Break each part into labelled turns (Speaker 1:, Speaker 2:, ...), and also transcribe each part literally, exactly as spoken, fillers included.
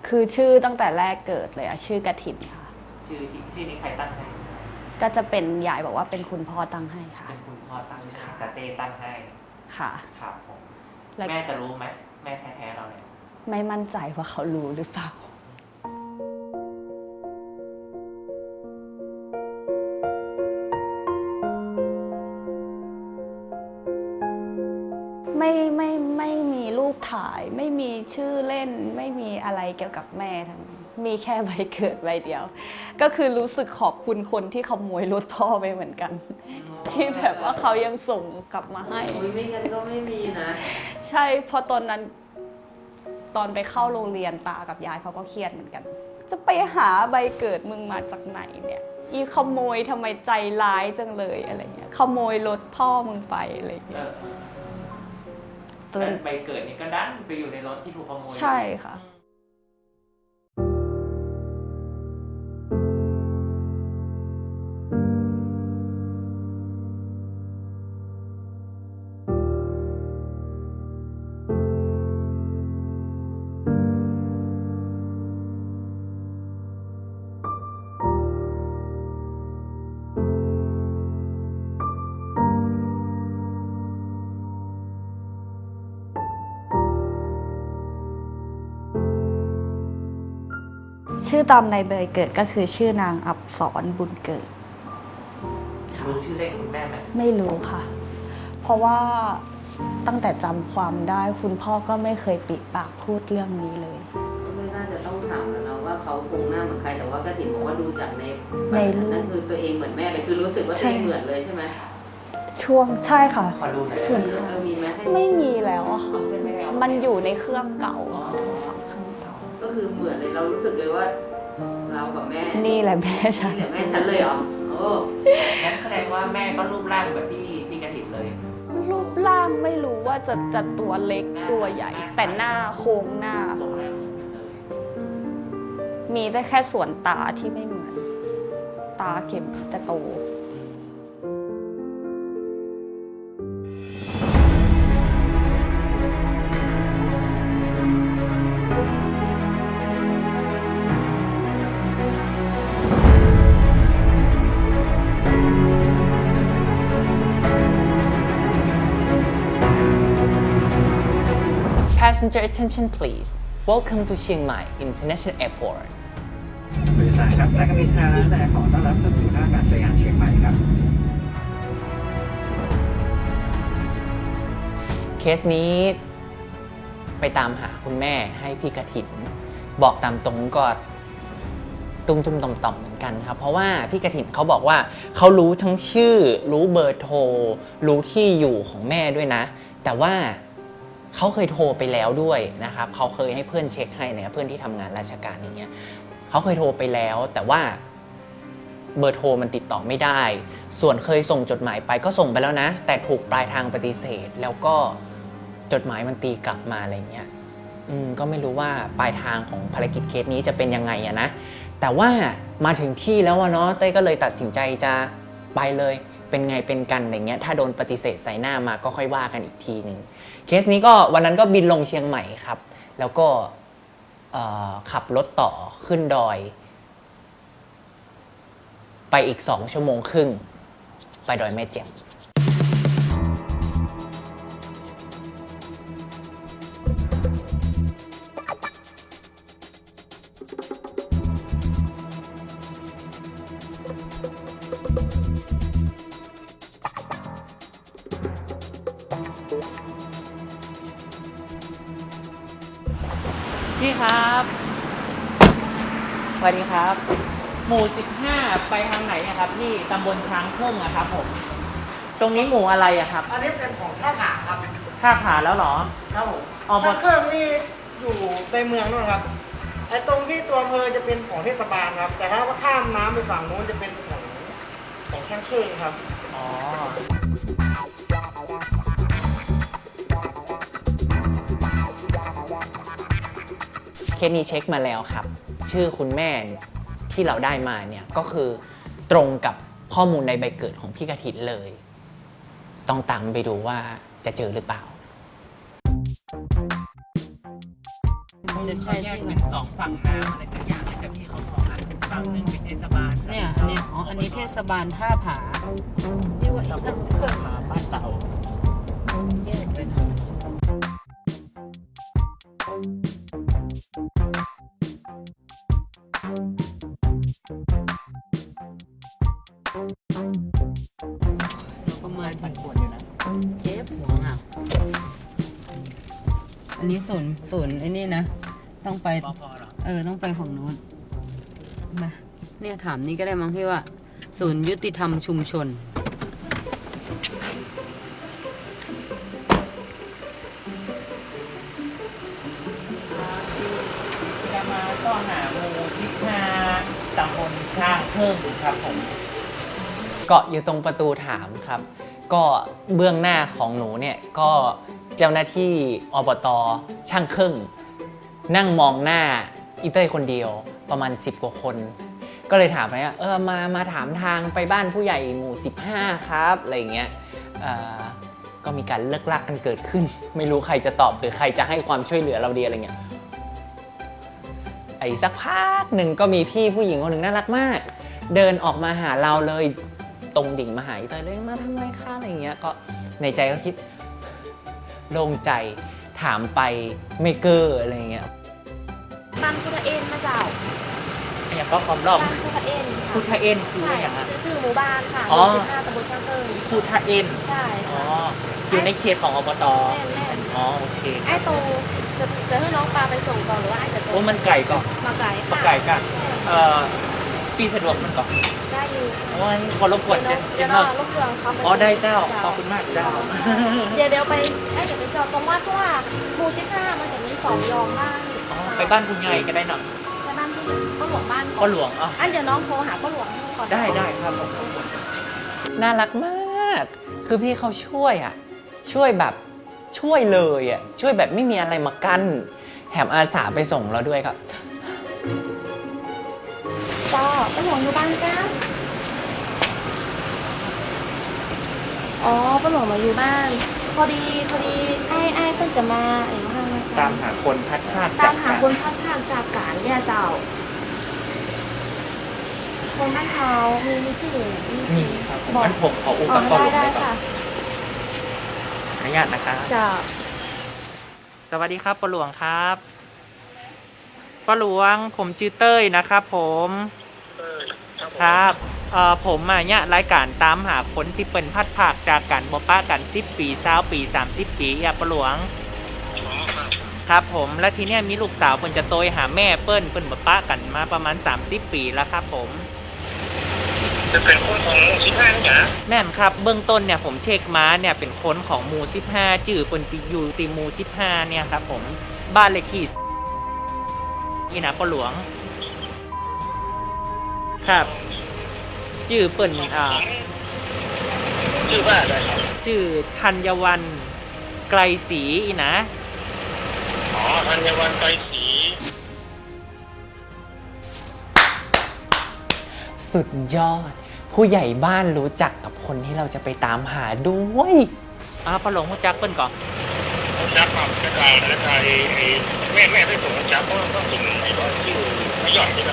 Speaker 1: คือชื่อตั้งแต่แรกเกิดเลยอะชื่อกฐินค่ะ
Speaker 2: ชื่อที่ชื่อนี้ใครตั้งให้
Speaker 1: ก็จะเป็นยายบอกว่าเป็นคุณพ่อตั้งให้ค่ะ
Speaker 2: เป็นคุณพ่อตั้งให้แต่เต้ตั้งให้
Speaker 1: ค่ะ
Speaker 2: ครับผมแม่จะรู้ไหมแม่แท้ๆเราเนี่ย
Speaker 1: ไม่มั่นใจว่าเขารู้หรือเปล่าไม่ไม่ไม่มีรูปถ่ายไม่มีชื่อเล่นไม่มีอะไรเกี่ยวกับแม่ทั้งนั้นมีแค่ใบเกิดใบเดียว ก็คือรู้สึกขอบคุณคนที่ขโมยรถพ่อไปเหมือนกันที่แบบว่าเขายังส่งกลับมาให้
Speaker 3: ไม่งั้นก็ไม่มีนะ
Speaker 1: ใช่เพราะตอนนั้นตอนไปเข้าโรงเรียนตากับยายเขาก็เครียดเหมือนกันจะไปหาใบเกิดมึงมาจากไหนเนี่ยอีขโมยทำไมใจร้ายจังเลยอะไรเงี้ยขโมยรถพ่อมึงไปอะไรเงี้ย
Speaker 2: ใบเกิดนี่ก็ดันไปอยู่ในรถที่ถูกขโมย
Speaker 1: ใช่ค่ะชื่อตามในใบเกิดก็คือชื่อนางอับสรบุญเกิด
Speaker 2: รู้ชื่อเล่นคุณแม่ไหม
Speaker 1: ไม่รู้ค่ะเพราะว่าตั้งแต่จำความได้คุณพ่อก็ไม่เคยปิดปากพูดเรื่องนี้เลย
Speaker 3: ก็ไม่น่าจะต้องถามแล้วนะว่าเขาคงหน้าเหมือนใครแต่ว่ากฐินบอกว่าดูจากใน
Speaker 1: ใน
Speaker 3: นั่นคือตัวเองเหมือนแม่เลยคือรู้สึกว่าตัวเองเหมือนเลยใช่ไหม
Speaker 1: ช่วงใช่ค่ะ
Speaker 2: ส่วน
Speaker 1: ค่ะ
Speaker 3: มีไหม
Speaker 1: ไม่มีแล้วอะค่ะมันอยู่ในเครื่องเก่าโทรศัพท์เครื่องเก่า
Speaker 3: ก็คือเหมือนเลยเรารู้สึกเลยว่าเรากับแม่
Speaker 1: นี่แหละแม่ฉัน
Speaker 3: นี่แหละแม่ฉันเลยเหรอโอ้
Speaker 2: งั้นแสดงว่าแม่ก็รูปร่างแบบพี่พี่กฐินเลย
Speaker 1: รูปร่างไม่รู้ว่าจะจะตัวเล็กตัวใหญ่แต่หน้าโค้งหน้ามีแต่แค่ส่วนตาที่ไม่เหมือนตาเข็มจะโต
Speaker 4: Passenger attention please. Welcome to Chiang Mai International Airport.
Speaker 5: บริษัทครับและก็มีทางและขอต้อนรับสู่ท่าอากาศยานเชียงใหม่ครับ
Speaker 4: เคสนี้ไปตามหาคุณแม่ให้พี่กฐินบอกตามตรงก็ตุ้มตุ้มต่อมต่อมเหมือนกันครับเพราะว่าพี่กฐินเขาบอกว่าเขารู้ทั้งชื่อรู้เบอร์โทรรู้ที่อยู่ของแม่ด้วยนะแต่ว่าเขาเคยโทรไปแล้วด้วยนะครับเขาเคยให้เพื่อนเช็คให้เนี่ยเพื่อนที่ทำงานราชการอย่างเงี้ยเขาเคยโทรไปแล้วแต่ว่าเบอร์โทรมันติดต่อไม่ได้ส่วนเคยส่งจดหมายไปก็ส่งไปแล้วนะแต่ถูกปลายทางปฏิเสธแล้วก็จดหมายมันตีกลับมาอะไรเงี้ยอืมก็ไม่รู้ว่าปลายทางของภารกิจเคสนี้จะเป็นยังไงอะนะแต่ว่ามาถึงที่แล้วเนาะเต้ยก็เลยตัดสินใจจะไปเลยเป็นไงเป็นกันอย่างเงี้ยถ้าโดนปฏิเสธใส่หน้ามาก็ค่อยว่ากันอีกทีหนึ่งเคสนี้ก็วันนั้นก็บินลงเชียงใหม่ครับแล้วก็ขับรถต่อขึ้นดอยไปอีกสองชั่วโมงครึ่งไปดอยแม่แจ่ม
Speaker 2: พี่ครับสวัสดีครับหมู่สิบห้าไปทางไหนอะครับพี่ตำบลช้างทุ่งอะครับผมตรงนี้หมู่อะไรอะครับ
Speaker 5: อันนี้เป็นของท่าขาครับ
Speaker 2: ท่าขาแล้วหรอ
Speaker 5: ครับผมท่าเครื่องนี่อยู่ในเมืองนู่นครับไอ้ตรงที่ตัวอำเภอจะเป็นของเทศบาลครับแต่ถ้าว่าข้ามน้ำไปฝั่งโน้นจะเป็นของของช่างเครื่องครับ
Speaker 2: อ๋อ
Speaker 4: เคสนี้เช็คมาแล้วครับชื่อคุณแม่ที่เราได้มาเนี่ยก็คือตรงกับข้อมูลในใบเกิดของพี่กฐินเลยต้องตามไปดูว่าจะเจอหรือเปล่า
Speaker 2: ทำไม
Speaker 3: จะใช่
Speaker 2: เขาแยก
Speaker 3: ที่
Speaker 2: เป็นสองฝั่งน้ำอะไรสักอย่างแต่พี่เขาบอกอ่ะฝั่งหนึ่งเป็นเทศบาล
Speaker 3: เนี่ยอันนี้อ๋ออันนี้เทศบาลท่าผานี่ว่าอี
Speaker 2: ตำ
Speaker 3: ก
Speaker 2: บ
Speaker 3: ต้
Speaker 2: ล
Speaker 3: น
Speaker 2: ท่าผาบ้านเรา
Speaker 3: แยกไปหน่อยเราก็มาถึ
Speaker 2: มัน
Speaker 3: ง
Speaker 2: ควรอยู่นะ
Speaker 3: เจ็บหัวอ่ะอันนี้ศูนย์ศูนย์ไอ้นี่นะ ต้องไป
Speaker 2: ปพเหรอ
Speaker 3: เออ ต้องไปฝั่งนู้นมาเนี่ยถามนี่ก็ได้มั้งพี่ว่า ศูนย์ยุติธรรมชุมชน
Speaker 2: จะมาซ่อหาหมู่สิบห้าตำบลช่างเพิ่มครับผม
Speaker 4: เกาะอยู่ตรงประตูถามครับ ก็เบื้องหน้าของหนูเนี่ยก็เจ้าหน้าที่อบตช่างครึ่ง นั่งมองหน้าอีเต้ยคนเดียวประมาณสิบกว่าคน ก็เลยถามไปว่าเออมามาถามทางไปบ้านผู้ใหญ่หมู่สิบห้าครับอะไรอย่างเงี้ยเอ่อก็มีการเลิกลักกันเกิดขึ้น ไม่รู้ใครจะตอบหรือใครจะให้ความช่วยเหลือเราดีอะไรเงี้ยไอ้สักพักหนึ่งก็มีพี่ผู้หญิงคนหนึ่งน่ารักมาก เดินออกมาหาเราเลยตรงดิ่งมาหาอีเต้ยเลยมาทำไมคะอะไรเงี้ยก็ในใจก็คิดโล่งใจถามไปไม่เกอร์อะไรเงี้ย
Speaker 6: บ้านพุทธเอ็นมาเจ้า
Speaker 2: เนี่ยก็ความรอบ
Speaker 6: บ้านพุทธเอ็น
Speaker 2: พุทธเอ็นคือ
Speaker 6: ใช่
Speaker 2: อะไรอย่าง
Speaker 6: ค่ะ
Speaker 2: อ่ะ
Speaker 6: ชื่อหมู่บ้านค่ะ
Speaker 2: อ๋
Speaker 6: ห
Speaker 2: อ
Speaker 6: มู่สิบห้าตำบลช่างเติม
Speaker 2: พุทธเอ็น
Speaker 6: ใช่
Speaker 2: อ๋อ
Speaker 6: ค่ะ
Speaker 2: อยู่ในเขตของอบต
Speaker 6: แม่นแม่น
Speaker 2: อ๋อโอเค
Speaker 6: ไอ้โตจะจะให้น้องปลาไปส่งก่อนหรือว่าไอ้จะโต
Speaker 2: โอ้มันไก่ก่อน
Speaker 6: มาไก่
Speaker 2: มา
Speaker 6: ค่ะ
Speaker 2: ไก่กันเอ่อปีสะดวกมันก่อน
Speaker 6: ได้อยู่
Speaker 2: โอ้ยคนรบกวน
Speaker 6: เดี๋
Speaker 2: เจ
Speaker 6: ยวน
Speaker 2: เจ
Speaker 6: น้อง
Speaker 2: น
Speaker 6: เดี๋ยวน้องลูกเรือเขาไป
Speaker 2: อ๋อได้เจ้าขอบคุณมากเจ้า
Speaker 6: เดี๋ยวเดี๋ยวไปไอ้เดี๋ยวไปจอดตรงวัดเพราะว่าหมู่สิบห้ามันจะมีสองยองบ้าน
Speaker 2: อ๋อไปบ้านคุณยายก็ได้เนาะ
Speaker 6: ไปบ้านที่ก็หลวงบ้าน
Speaker 2: ก็หลวงอ๋อ
Speaker 6: อันเดี๋ยวน้องโทรหาก็หลวงก่อน
Speaker 2: ได้ได้ครับผม
Speaker 4: น่ารักมาก คือพี่เขาช่วยอ่ะ ช่วยแบบช่วยเลยอ่ะ ช่วยแบบไม่มีอะไรมากั้นแถมอาสาไปส่งเราด้วยครับ
Speaker 6: จ้าก็หลวงอยู่บ้านจ้าอ๋อป้าหลวงมาอยู่บ้าน พอดีพอดีไอ้ไอ้เพิ่งจะมาไอ้ว่า
Speaker 2: ตามหาคนพัดพลาด
Speaker 6: ตามหาคนพัดทางจากการเนี่ยเจ้า คนบ้านเขามีมีชื่อมี
Speaker 2: นี่ครับผม
Speaker 6: บอก
Speaker 2: งั้นผมขออุ
Speaker 6: อ๋
Speaker 2: ป
Speaker 6: อก
Speaker 2: รณ์
Speaker 6: ได้
Speaker 2: ก่อน
Speaker 6: ได้ค่ะ
Speaker 2: ขออนุญาตนะครับ
Speaker 6: เจ้า
Speaker 2: สวัสดีครับป้าหลวงครับป้าหลวงผมชื่อเต้ยนะครับผมครับเอ่อผมอ่ะเนี่ยรายการตามหาคนที่เป็นพัดภาคจากกันบ่ป้ากันสิบปีสาวปีสามสิบปีอ่ะป้าหลวงครับผมแล้วทีเนี้ยมีลูกสาวเพิ่นจะโตยหาแม่เปิ้นเปิ้นบ่ป้ากันมาประมาณสามสิบปีแล้วครับผม
Speaker 5: จะเป็นคนของสิบห้านี่จ้ะ
Speaker 2: แม่นครับเบื้องต้นเนี่ยผมเช็คมาเนี่ยเป็นคนของหมู่สิบห้าจื่อเปิ้นติอยู่ติหมู่สิบห้าเนี่ยครับผมบ้านเลขที่นี่นะป้าหลวงครับจื่อเปิ้นอ่า
Speaker 5: ชื่อว่าอะไรครับ
Speaker 2: จื่อธัญวันไกลศรีอีนะ
Speaker 5: อ๋อธัญวันไกรศรี
Speaker 4: สุดยอด ผู้ใหญ่บ้านรู้จักกับคนที่เราจะไปตามหาด้วย
Speaker 2: อ่าป้าหลวงรู้จักเปิ้นก่อน
Speaker 5: ผมจับครับจะกลายจะกลายไอ้แม่แม่ที่ผมจับเพราะว่าถึงไอ้ตอนชื่อไม่หย่อนใช่ไหม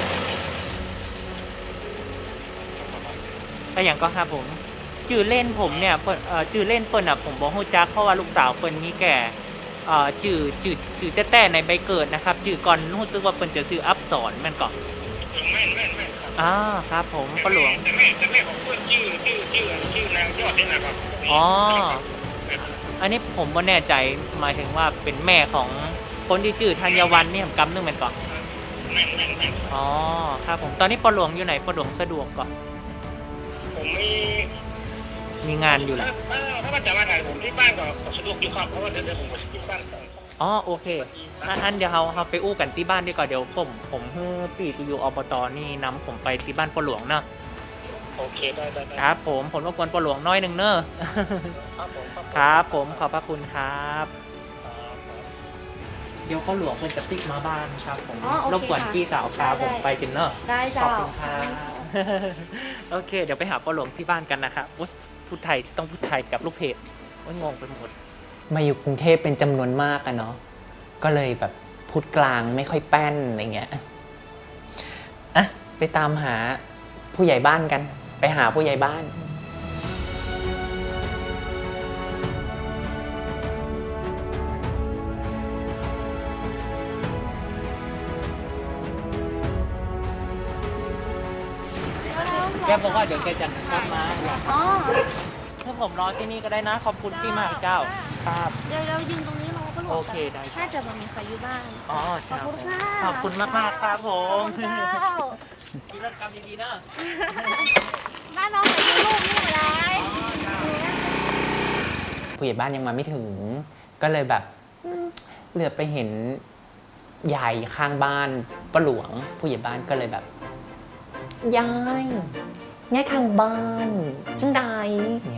Speaker 2: ก็อย่างก็ครับผมจื่อเล่นผมเนี่ยเปิ้นเอ่อจื่อเล่นเปิ้นอ่ะผมบ่ฮู้จักเพราะว่าลูกสาวเปิ้นมีแก่เอ่อจื่อจื่อจื่อแต้ๆในใบเกิดนะครับจื่อก่อนรู้สึกว่าเปิ้นจะซื้ออัพสอนแม่นก่อน
Speaker 5: แม่แม่แม่ครับ
Speaker 2: อ่าครับผมป้าหลวง
Speaker 5: แต่แม่แต่แม่ของเพื่อนชื่อชื่อชื่อชื่อนางยอดนี่นะครับ
Speaker 2: อ๋อ อันนี้ผมบ่แน่ใจหมายถึงว่าเป็นแม่ของคนที่จื่อธัญวันนี่ผมกำนึงแม่นก่อน
Speaker 5: แม่แม่แม่
Speaker 2: อ๋อครับผมตอนนี้ป้าหลวงอยู่ไหนป้าหลวงสะดวกก่อน
Speaker 5: ผมมี
Speaker 2: มีงานอยู่แหละ
Speaker 5: ถ้าถ้าว่าจะมาถ่ายผมที่บ้านก็สะดวกอยู่ครับเพราะว่าเดี๋ยวเดี๋ยวผมไปที่บ้านก่อน
Speaker 2: อ๋อโอเคอันอันเดี๋ยวเราเราไปอู้กันที่บ้านดีกว่าเดี๋ยวผมผมเฮ้อปีที่อยู่อบตนี่นำผมไปที่บ้านป้าหลวงเนาะ
Speaker 5: โอเคได้ได้ได้
Speaker 2: ครับผมผมรบกวนป้าหลวงน้อยหนึ่งเนอะ
Speaker 5: ครับผมครับผม
Speaker 2: ครับผมขอบพระคุณครับ
Speaker 5: ครับครับ
Speaker 2: เดี๋ยวป้าหลวงเพิ่นจะติ๊กมาบ้านครับผม
Speaker 6: อ๋อโอเค
Speaker 2: รบกวน
Speaker 6: ค่ะ
Speaker 2: พี่สาวพา
Speaker 6: ได้
Speaker 2: ผมไปกินเนอะ
Speaker 6: ได้
Speaker 2: ข
Speaker 6: เจ้า
Speaker 2: อบคุณครับ โอเค เดี๋ยวไปหาป้าหลวงที่บ้านกันนะครับอุ๊ยพูดไทยต้องพูดไทยกับลูกเพจโอ้ยงงไปหมด
Speaker 4: มาอยู่กรุงเทพเป็นจำนวนมากอะเนาะ ก็เลยแบบพพูดกลางไม่ค่อยแป้นอะไรเงี้ยอ่ะไปตามหาผู้ใหญ่บ้านกัน ไปหาผู้ใหญ่บ้านแกบอกว่าเดี๋ยวแกจะกลับมาอยาก
Speaker 6: อ๋อ
Speaker 2: ถ้าผมรอที่นี่ก็ได้นะ ขอบคุณที่มากเจ้า ครับ
Speaker 6: เดี๋ยวเรายืนตรงนี้รอป้าหลวง
Speaker 2: โอเคได้ครับ
Speaker 6: น่าจะไม่มีใครอยู่บ้าน
Speaker 2: อ๋อ
Speaker 6: ขอบ
Speaker 2: เจ้า
Speaker 6: คุณค่ะ
Speaker 2: ขอบคุณมากมากๆครับผ
Speaker 6: ขอบ
Speaker 2: ม
Speaker 6: คุณเจ้า
Speaker 2: กินรถกรรมดีๆเนอะ
Speaker 6: บ้านน้องไปดูลูกนี่หมดเลย
Speaker 4: ผู้ใหญ่บ้านยังมาไม่ถึง ก็เลยแบบอืมเหลือไปเห็นยายข้างบ้านป้าหลวง ผู้ใหญ่บ้านก็เลยแบบยายยายข้างบ้านจังใดเนี่ย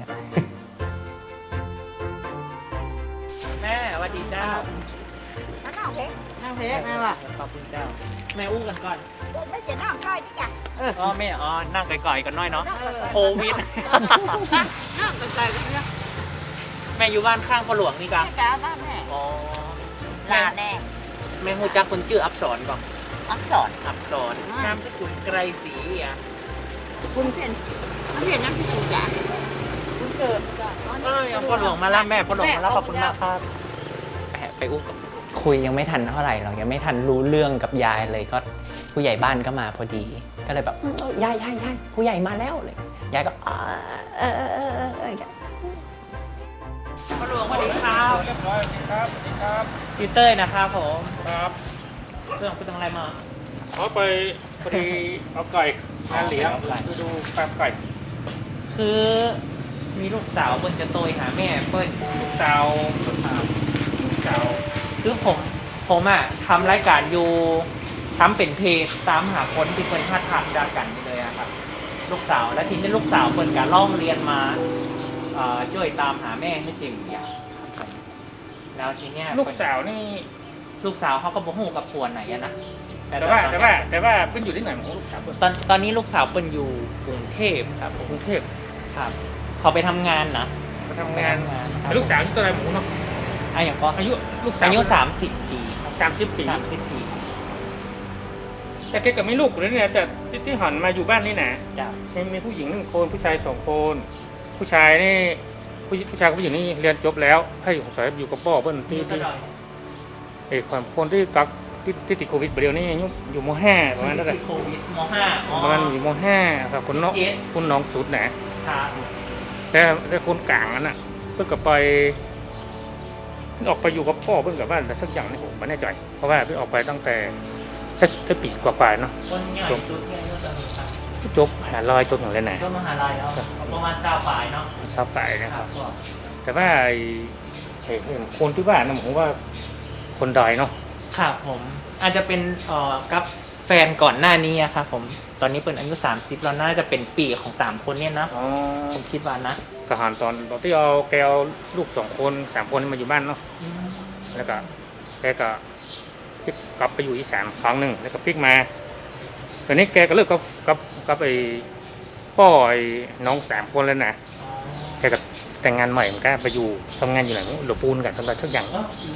Speaker 2: แม่สวัสดีเจ้า
Speaker 3: นั่งเพชรแม่ว่ะ
Speaker 2: ขอบคุณเจ้า แม่อู้กันก่อน
Speaker 7: ไม่จะนั่งใกล้ดิจ้ะ
Speaker 2: อ๋อแม่อ๋อนั่งไกลๆกันหน้อยเนาะโควิด
Speaker 3: นั่งไกลๆกันเนี่ย
Speaker 2: แม่อยู่บ้านข้างพ่อหลวงนี่กั
Speaker 7: แม่จ๋าบ้านแม่
Speaker 2: อ๋อ
Speaker 7: ลาแน่
Speaker 2: แม่ฮู้จักคนชื่ออับสรก่อน
Speaker 7: อักษร
Speaker 2: อับสรนามสกุลไกรศรีอ่ะ
Speaker 7: คุณเพียนคุณเพียนน้ำที่คุณจ๋า
Speaker 3: คุณเกิดจ้ะ
Speaker 2: เอ้ยเอาพ่อหลวงมาแล้วแม่พ่อหลวงมาแล้วขอบคุณมากครับแอบไปอู้กับ
Speaker 4: คุยยังไม่ทันเท่าไหร่หรอกยังไม่ทันรู้เรื่องกับยายเลยก็ผู้ใหญ่บ้านก็มาพอดี ก็เลยแบบอืมเออยายยายยายผู้ใหญ่มาแล้วเลยยายก็อ่าเออเออเออเออเออ
Speaker 2: พ่อหลวงสวัสดีครับ
Speaker 5: เรียบร้อยครับสวัสดีครับ
Speaker 2: พี่เต้ยนะครับผม
Speaker 5: ครับ
Speaker 2: เรื่องเป็นอะไรมา
Speaker 5: เขาไปพอดีเอาไก่งานเลี้ยงไปดูแป๊บไก่
Speaker 2: คือมีลูกสาวเปิ้ลจะโตยหาแม่เปิ้ล
Speaker 5: ลูกสาวสุดท้ายลูกสาว
Speaker 2: คือผมผมอ่ะทำรายการอยู่ทำเป็นเพจตามหาคนที่เปิ้ลพลาดทางดากันนี่เลยอะครับลูกสาวแล้วทีนี้ลูกสาวเปิ้ลการล่องเรียนมาเอ่อช่วยตามหาแม่ให้จริงเนี่ยครับแล้วทีเนี้ย
Speaker 5: ลูกสาวนี่
Speaker 2: ลูกสาวเขาก็บอกหูกับผัวไหนอะนะ
Speaker 5: แต่ว่าแต่ว่าแต่ว่าเพิ่งอยู่ที่ไหนของลูกสาวเพิ่น
Speaker 2: ตอนตอนนี้ลูกสาวเปิ้ลอยู่กรุงเทพครับ
Speaker 5: กรุงเทพ
Speaker 2: ครับเขาไปทำงานนะ
Speaker 5: มาทำงาน
Speaker 2: ไปทำงานครับ
Speaker 5: แต่ลูกสาวอายุเท่าไหรหมูเนาะ
Speaker 2: อายุก็
Speaker 5: อายุลูกสาว
Speaker 2: อายุสามสิบปีครับ
Speaker 5: สามสิบปี
Speaker 2: สามสิบปี
Speaker 5: แต่แกก็ไม่ลูกเลยเนี่ยแต่ที่ที่หันมาอยู่บ้านนี่นะ
Speaker 2: จ้ะ
Speaker 5: มีมีผู้หญิงหนึ่งคนผู้ชายสองคน ผู้ชายนี่ผู้ผู้ชายกับผู้หญิงนี่เรียนจบแล้วให้อยู่สอยอยู่กับพ่อเพิ่นที่ที่ไอ้ความคนที่กักที่ที่ติดโควิดเดียวนี่อยู่อยู่มห้าประมาณนั้นแหละ
Speaker 2: โควิดมห้าอ๋อ
Speaker 5: ประมาณอยู่มห้าครับคนน้อง
Speaker 2: สิบเจ็ด
Speaker 5: คนน้องสุดนะครับ แต่แต่คนกลางนั่นน่ะเพิ่งกับไปออกไปอยู่กับพ่อเพิ่งกับบ้านแต่สักอย่างนี่ผมไม่แน่ใจเพราะว่าเพิ่งออกไปตั้งแต่แค่แค่ปีกว่าๆเนาะ
Speaker 2: คนใหญ่สุดเนี่ยอายุเท่าไหร่ครับ
Speaker 5: จบหาลอยจบอย่างไรไหน
Speaker 2: ก็มหาลัยเนาะประมาณเช้าปลายเนาะ
Speaker 5: ชาวป่ายนะ
Speaker 2: ค
Speaker 5: ค
Speaker 2: รั
Speaker 5: รั
Speaker 2: บบ ก็
Speaker 5: แต่ว่าไอ้ไอ้คนที่บ้านนะผมว่าคนดอยเนาะ
Speaker 2: ครับผมอาจจะเป็นเอ่อกับแฟนก่อนหน้านี้อะครับผมตอนนี้เป็นอายุสามสิบแล้วน่าจะเป็นปีของสามคนเนี่ยนะ
Speaker 5: อ๋อ
Speaker 2: ผมคิดว่านะ
Speaker 5: กหันตอนตอนที่เอาแกเอาลูกสองคนสามคนมาอยู่บ้านเนาะแล้วก็แกก็พลิกกลับไปอยู่อีสานครั้งหนึ่งแล้วก็พลิกมาตอนนี้แกก็เลิกกับกับกับไอ้พ่อไอ้น้องสามคนแล้วนะแกก็แต่งงานใหม่เหมือนกันไปอยู่ทำงานอยู่ไหนหลวปูนกันทำอะไรทุกอย่าง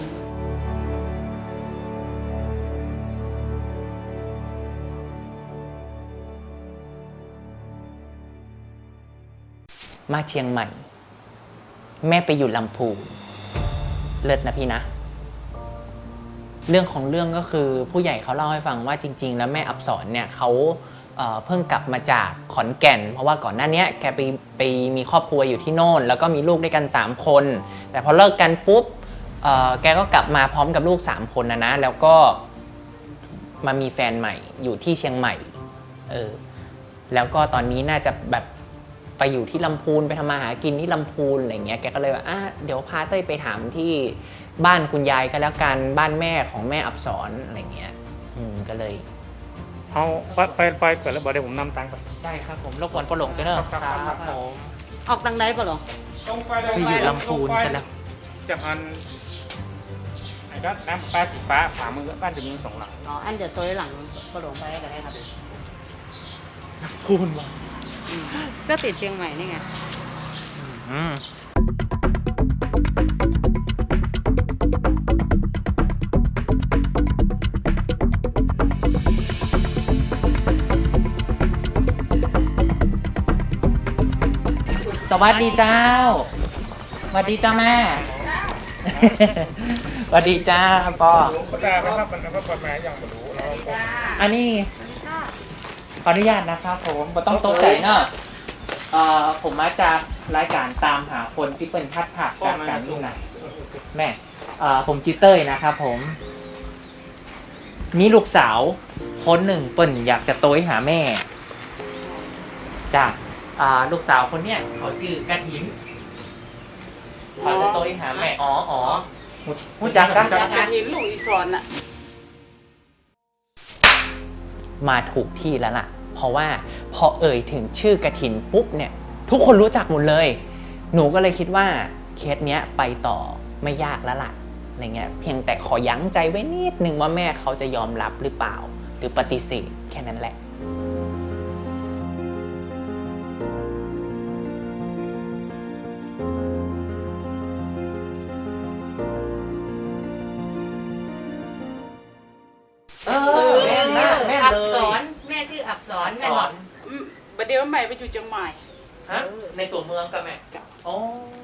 Speaker 4: มาเชียงใหม่ แม่ไปอยู่ลำพูนเลิศนะพี่นะ เรื่องของเรื่องก็คือผู้ใหญ่เขาเล่าให้ฟังว่าจริง ๆ แล้วแม่อับสรเนี่ยเขาเอ่อเพิ่งกลับมาจากขอนแก่น เพราะว่าก่อนหน้านี้แกไปไปมีครอบครัวอยู่ที่โน่น แล้วก็มีลูกด้วยกันสามคน แต่พอเลิกกันปุ๊บเอ่อแกก็กลับมาพร้อมกับลูกสามคนนะนะแล้วก็มามีแฟนใหม่อยู่ที่เชียงใหม่เออแล้วก็ตอนนี้น่าจะแบบไปอยู่ที่ลำพูนไปทำมาหากินที่ลำพูนอะไรเงี้ยแกก็เลยว่าอ่ะเดี๋ยวพาเต้ยไปถามที่บ้านคุณยายก็แล้วกันบ้านแม่ของแม่อับสรอะไรเงี้ยอืมก็เลย
Speaker 5: เอาไปไปไปก่อนแล้วบอกเดี๋ยวผมนำตังค์ไป
Speaker 2: ได้ครับผมรบกวนปลาหลงด้วยเนอะ
Speaker 5: ครับครับครับ
Speaker 2: ผม
Speaker 3: ออกตังใดป่ะหรอ
Speaker 5: ตรงไปเลย
Speaker 2: คืออยู่ลำพูนใช่แล้ว
Speaker 5: จากอันไอ้ด้านน้ำปลาสีฟ้าขวามือบ้านจะมีสองหลัง
Speaker 3: อ๋อ อันเดี๋ยวตัวหลังกระโดดไปกันได้ครับ
Speaker 2: พูนมา
Speaker 3: ก็ติดเชียงใหม่นี่ไง
Speaker 2: อืม
Speaker 4: สวัสดีเจ้าสวัสดีเจ้าแม่ สวัสดีจ้าปอ
Speaker 5: ก็ได้นะครับมันก็ประมาณอย่างไม่รู้เนาะ
Speaker 4: อันนี้ขออนุญาตนะครับผมบ่ต้องตกใจเนาะเอ่อผมมาจากรายการตามหาคนที่เป็นพัดผักจากการลูกนะแม่เอ่อผมจิเต้ยนะครับผมมีลูกสาวคนหนึ่งเปิ่นอยากจะโต้ยหาแม่จ้ะอ่าลูกสาวคนเนี้ยเขาชื่อกระถินเขาจะโต้ยหาแม่อ๋ออ๋อหูจักกัน
Speaker 3: จากการเห็นลูกอีสอนน่ะ
Speaker 4: มาถูกที่แล้วล่ะ เพราะว่าพอเอ่ยถึงชื่อกระถินปุ๊บเนี่ยทุกคนรู้จักหมดเลย หนูก็เลยคิดว่าเคสเนี้ยไปต่อไม่ยากแล้วล่ะอะไรเงี้ยเพียงแต่ขอยั้งใจไว้นิดนึงว่าแม่เขาจะยอมรับหรือเปล่า หรือปฏิเสธแค่นั้นแหละ เออแม่นนะแม่น
Speaker 3: อั
Speaker 4: เล
Speaker 3: กษ
Speaker 4: ย
Speaker 3: รแม่ชื่ออักษร
Speaker 4: ส
Speaker 3: แม่
Speaker 4: อบ
Speaker 3: อน กประเดี๋ยวใหม่ไปอยู่เชียงใหม่
Speaker 4: ฮะในตัวเมืองกับแม่อ๋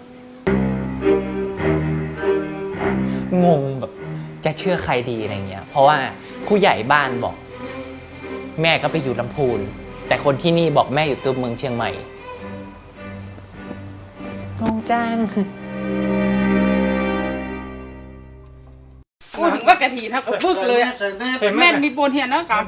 Speaker 4: องงแบบจะเชื่อใครดีอะไรเงี้ย เพราะว่าผู้ใหญ่บ้านบอก แม่ก็ไปอยู่ลำพูน แต่คนที่นี่บอกแม่อยู่ตัวเมืองเชียงใหม่งงจัง
Speaker 3: พูดถึงว่ากะทิทับกับบึกเลยอะแม่นมีโปนเฮียนนะกับ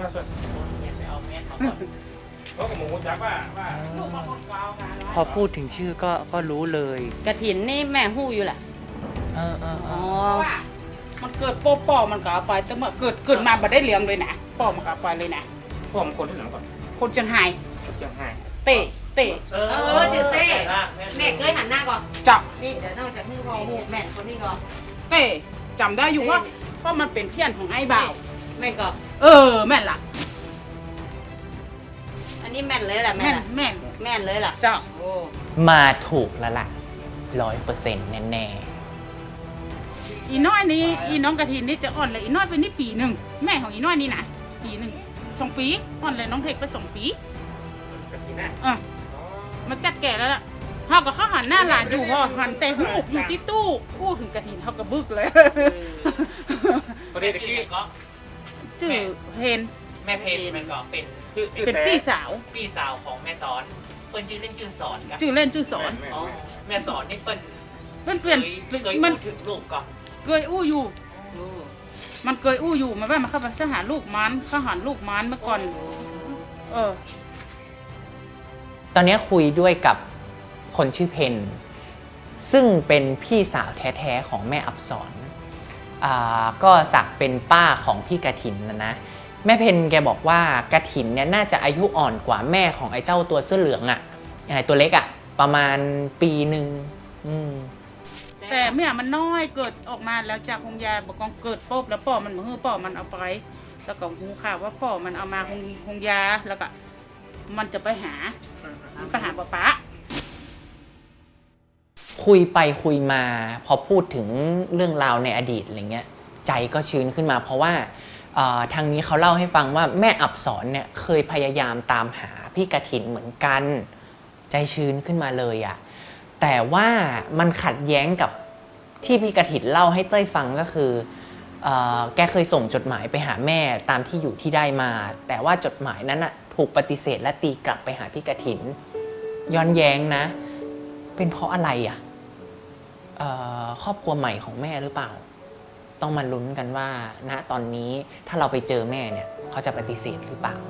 Speaker 5: เพราะกับหมูจักว่าว่า
Speaker 2: พอพูดถึงชื่อก็ก็รู้เลย
Speaker 3: กะถินนี่แม่หู้อยู่แหละ
Speaker 4: เออเออเอ
Speaker 3: อ๋อ
Speaker 4: อ
Speaker 3: มันเกิดโป๊ะปอมันก็เอาไปแต่เมื่อเกิดเกิดมาบ่ได้เลี้ยงเลยนะปอมันก็เอาไปเลยนะ
Speaker 5: พ่อมันคนที่ไหนก่อน
Speaker 3: คนเชียงไฮ้
Speaker 5: เชียงไฮ้
Speaker 3: เตะเตะ
Speaker 4: เอ
Speaker 7: เออจือเต้แม่เคยหันหน้าก่อน
Speaker 3: จับ
Speaker 7: นี่เดี๋ยวนอกจากนี่พอหูแม่คนนี้ก่อน
Speaker 3: เตะจำได้อยู่ว่าเพราะมันเป็นเพี้ยนของไอ้บ่าว
Speaker 7: แม่ก่อน
Speaker 3: เออแม่นล่ะ
Speaker 7: อันนี้แม่นเลยแหละแม่
Speaker 3: แม่น
Speaker 7: ล่ะ
Speaker 3: แม่น
Speaker 7: แม่นเลยล่ะ
Speaker 3: จ้า
Speaker 7: โอ้
Speaker 4: มาถูกแล้วล่ะร้อยเปอร์เซ็นต์แน่
Speaker 3: อีน้อยนี้อีน้องกะทินนี่จะอ่อนเลยอีน้อยเป็นนี่ปีหนึ่งแม่ของอีน้อยนี่นะปีหนึ่งสองปีอ่อนเลยน้องเทคไปสองปี
Speaker 5: กะทินะ
Speaker 3: อ่ะมาจัดแก่แล้วล่ะเขากับเขาหันหน้าหลานอยู่พอหันแต่หูอยู่ที่ตู้พูดถึงกะทินเขากระบึกเลย
Speaker 5: ประเดี๋ยวตะกี้
Speaker 4: ก็
Speaker 3: จื่อเพน
Speaker 4: แม่เพนมันก็เป็น
Speaker 3: เป็นพี่สาว
Speaker 4: พี่สาวของแม่สอนเปิ้นชื่อเล่นชื่อสอนกัน
Speaker 3: จื่อเล่นจื่อสอน
Speaker 4: อ๋อแม่สอนนี่เปิ้น
Speaker 3: มันเปลี่ยน
Speaker 4: เคยเคย
Speaker 3: มัน
Speaker 4: พูดถึงลูกก่อน
Speaker 3: เกยอู้อยู่ มันเกยอู้อยู่มันว่ามันเข้าไปสหารลูกมันเข้าหารลูกมันเมื่อก่อน เออ
Speaker 4: ตอนนี้คุยด้วยกับคนชื่อเพนซึ่งเป็นพี่สาวแท้ๆของแม่อับสรอ่าก็สักเป็นป้าของพี่กระถินนะนะแม่เพนแกบอกว่ากระถินเนี่ยน่าจะอายุอ่อนกว่าแม่ของไอ้เจ้าตัวเสื้อเหลืองอะ่ะตัวเล็กอะ่ะประมาณปีหนึ่งอืม
Speaker 3: แต่เมื่อมันน้อยเกิดออกมาแล้วจากหงยาบอกกองเกิดปุ๊บแล้วป่อมันมือป่อมันเอาไป แล้วก็หูข่าวว่าป่อมันเอามาหงหงยาแล้วก็มันจะไปหาไปหาป้าป๊า
Speaker 4: คุยไปคุยมาพอพูดถึงเรื่องราวในอดีตอะไรเงี้ยใจก็ชื้นขึ้นมา เพราะว่าเอ่อทางนี้เขาเล่าให้ฟังว่าแม่อับสรเนี่ยเคยพยายามตามหาพี่กฐินเหมือนกัน ใจชื้นขึ้นมาเลยอะแต่ว่ามันขัดแย้งกับที่พี่กฐินเล่าให้เต้ยฟังก็คือเอ่อแกเคยส่งจดหมายไปหาแม่ตามที่อยู่ที่ได้มา แต่ว่าจดหมายนั้นอะถูกปฏิเสธและตีกลับไปหาพี่กฐินย้อนแย้งนะเป็นเพราะอะไรอะเอ่อครอบครัวใหม่ของแม่หรือเปล่าต้องมาลุ้นกันว่าณตอนนี้ถ้าเราไปเจอแม่เนี่ยเขาจะปฏิเสธหรือเปล่า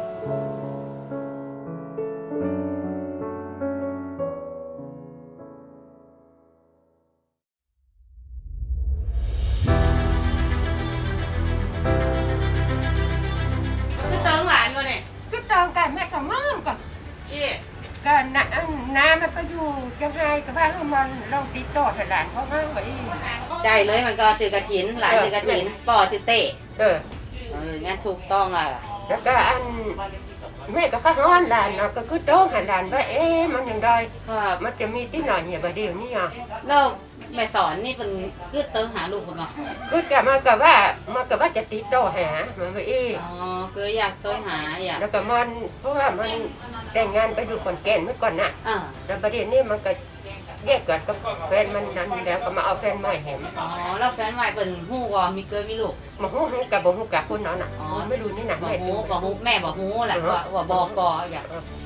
Speaker 7: คือเติงหลานก่อนเนี่ย
Speaker 8: cứ tròn cả mẹ cả mom cả
Speaker 7: นี่
Speaker 8: cả nà nà mà có dù trong hai cái ba hôm mà lâu tí trọt phải làm khó khăn vậy
Speaker 7: ใจเลยมันก็จือกระถินหลานจือกระถินป่อจือเต้
Speaker 8: ờ
Speaker 7: เอองั้นถูกต้องล่ะ
Speaker 8: rồi cả anh mẹ có phát ngon là nó cứ cứ trốn hành làm với em mà nhận đời
Speaker 7: ครับ
Speaker 8: mà chỉ mi tí nói nhiều bởi điều như à
Speaker 7: แล้วแม่สอนนี่เป็นกึดเติมหาลูกเพิ่นก่อน
Speaker 8: ก็จะมากับว่ามากับว่าจะติดต่อหามันไปอีก
Speaker 7: อ๋อเกยอยากเติมหาอยาก
Speaker 8: แล้วก็มันเพราะว่ามันแต่งงานไปอยู่ขอนแก่นเมื่อก่อนน่ะ
Speaker 7: อ่า
Speaker 8: แล้วประเด็นนี้มันก็แยกกันกับแฟนมันนั้นแล้วก็มาเอาแฟนใหม่แหม
Speaker 7: อ๋อแล้วแฟนใหม่เป็นฮู้ก่อนมีเกยมีลูก
Speaker 8: มาฮู้ฮู้กับบ่ฮู้กับคนนั้นน่ะ
Speaker 7: อ๋อ
Speaker 8: ไม่รู้นี่น่ะ
Speaker 7: บอก
Speaker 8: แม่
Speaker 7: ฮู้บอกฮู้แม่บอกฮู้แหละว่าว่าบอกก่ออยาก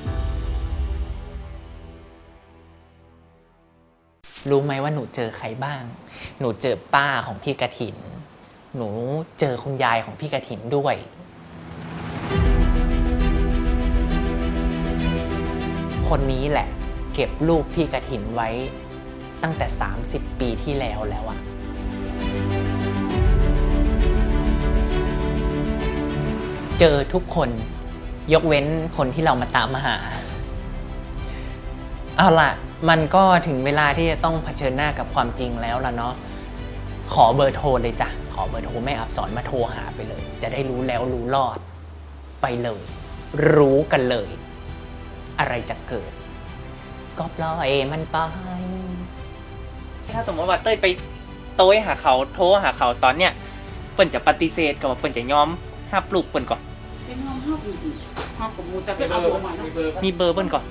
Speaker 4: รู้ไหมว่าหนูเจอใครบ้าง หนูเจอป้าของพี่กฐิน หนูเจอคุณยายของพี่กฐินด้วย คนนี้แหละ เก็บรูปพี่กฐินไว้ตั้งแต่สามสิบปีที่แล้วแล้วอะเจอทุกคนยกเว้นคนที่เรามาตามมาหา เอาล่ะ มันก็ถึงเวลาที่จะต้องเผชิญหน้ากับความจริงแล้วล่ะเนาะ ขอเบอร์โทรเลยจ้ะ ขอเบอร์โทรแม่อับสรมาโทรหาไปเลย จะได้รู้แล้วรู้รอด ไปเลย รู้กันเลย อะไรจะเกิด ก็ปล่อยมันไป
Speaker 2: ถ้าสมมติว่าเต้ยไปโต้ยหาเขาโทรหาเขาตอนเนี้ยเปิ้นจะปฏิเสธกับว่าเปิ้นจะยอมห้าปลูกเปิ้นก่อน
Speaker 3: เป็นห้องห้องอยู่ห้องกับมูแต่เป็นเอาหัวมาเนาะ
Speaker 2: มีเบอร์เปิ้นก่อน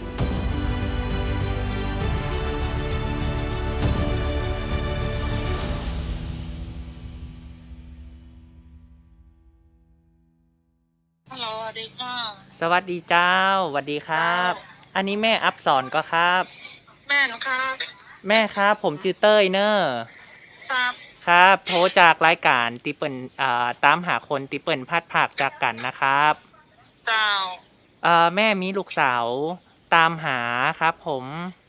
Speaker 9: ฮัลโหลสวัสดีค่ะ
Speaker 2: สวัสดีเจ้าสวัสดีครับ อันนี้แม่อัพสอนก็ครับ
Speaker 9: แม่นะครับ
Speaker 2: แม่ครับผมชื่อเต้ยเนอร์
Speaker 9: ครับ
Speaker 2: ครับ โทรจากรายการติเปิลอ่าตามหาคนติเปิลพัดผากจากกันนะครับ
Speaker 9: เจ้า
Speaker 2: อ่าแม่มีลูกสาวตามหาครับผม